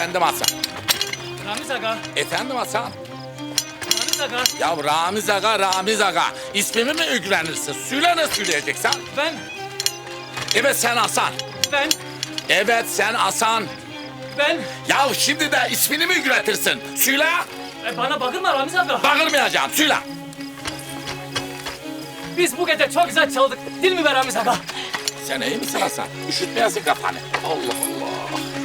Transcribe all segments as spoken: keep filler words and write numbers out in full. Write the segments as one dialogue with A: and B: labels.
A: Efendim Hasan.
B: Ramiz Aga.
A: Efendim Hasan.
B: Ramiz Aga.
A: Ya Ramiz Aga, Ramiz Aga. İsmimi mi üglenirsin? Söyle ne söyleyeceksin?
B: Ben.
A: Evet sen Hasan.
B: Ben.
A: Evet sen Hasan.
B: Ben.
A: Ya şimdi de ismini mi ügretirsin? Söyle.
B: E, bana bakırma Ramiz Aga.
A: Bağırmayacağım. Söyle.
B: Biz bu gece çok güzel çaldık. Değil mi be Ramiz Aga?
A: Sen iyi misin Hasan? Üşütmeyesin kafanı. Allah Allah.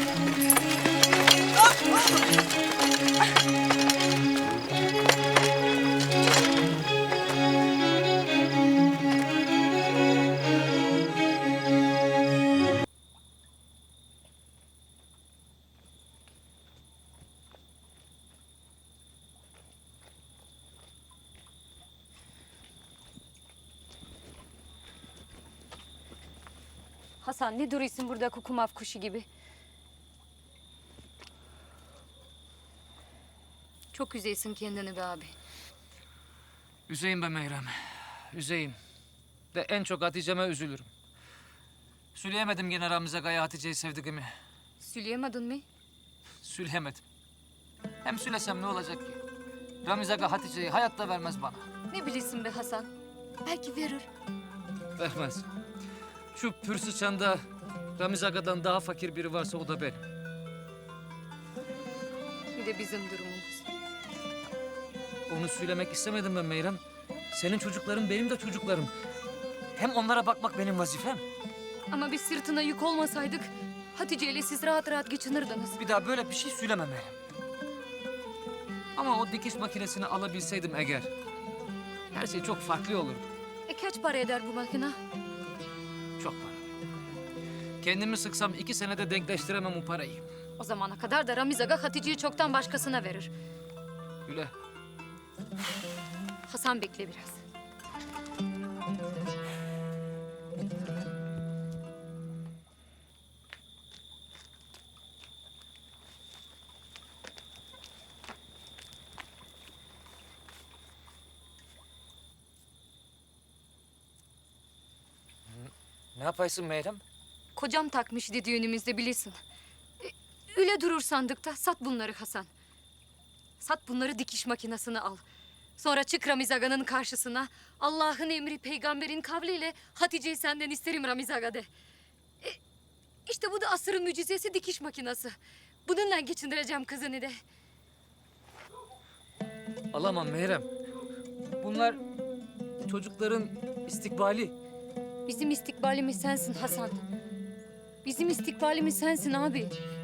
C: Hasan ne duruyorsun burada kukumav kuşu gibi? Çok üzeysin kendini be abi.
B: Üzeyim be Meyrem. Üzeyim. De en çok Hatice'me üzülürüm. Söyleyemedim gene Ramiz Aga'ya Hatice'yi sevdiğimi.
C: Söyleyemedin mi?
B: Söyleyemedim. Hem söylesem ne olacak ki? Ramiz Aga Hatice'yi hayatta vermez bana.
C: Ne bilirsin be Hasan? Belki verir.
B: Vermez. Şu Pürsüçan'da Ramiz Aga'dan daha fakir biri varsa o da benim.
C: Bir de bizim durumumuz.
B: Onu söylemek istemedim ben Meyrem. Senin çocukların benim de çocuklarım. Hem onlara bakmak benim vazifem.
C: Ama biz sırtına yük olmasaydık Hatice ile siz rahat rahat geçinirdiniz.
B: Bir daha böyle bir şey söyleme Meyrem. Ama o dikiş makinesini alabilseydim eğer, her şey çok farklı olurdu.
C: E kaç para eder bu makine?
B: Çok para. Kendimi sıksam iki senede denkleştiremem o parayı.
C: O zamana kadar da Ramiz Aga Hatice'yi çoktan başkasına verir.
B: Öyle.
C: Hasan bekle biraz.
B: Ne yapaysın Meyrem?
C: Kocam takmıştı düğünümüzde bilirsin. E, öyle durur sandıkta. Sat bunları Hasan. Sat bunları dikiş makinesine al. Sonra çık Ramiz Aga'nın karşısına. Allah'ın emri peygamberin kavliyle Hatice'yi senden isterim Ramiz Aga de. E, işte bu da asırın mucizesi dikiş makinesi. Bununla geçindireceğim kızını de.
B: Alamam Meyrem. Bunlar çocukların istikbali.
C: Bizim istikbalimiz sensin Hasan. Bizim istikbalimiz sensin abi.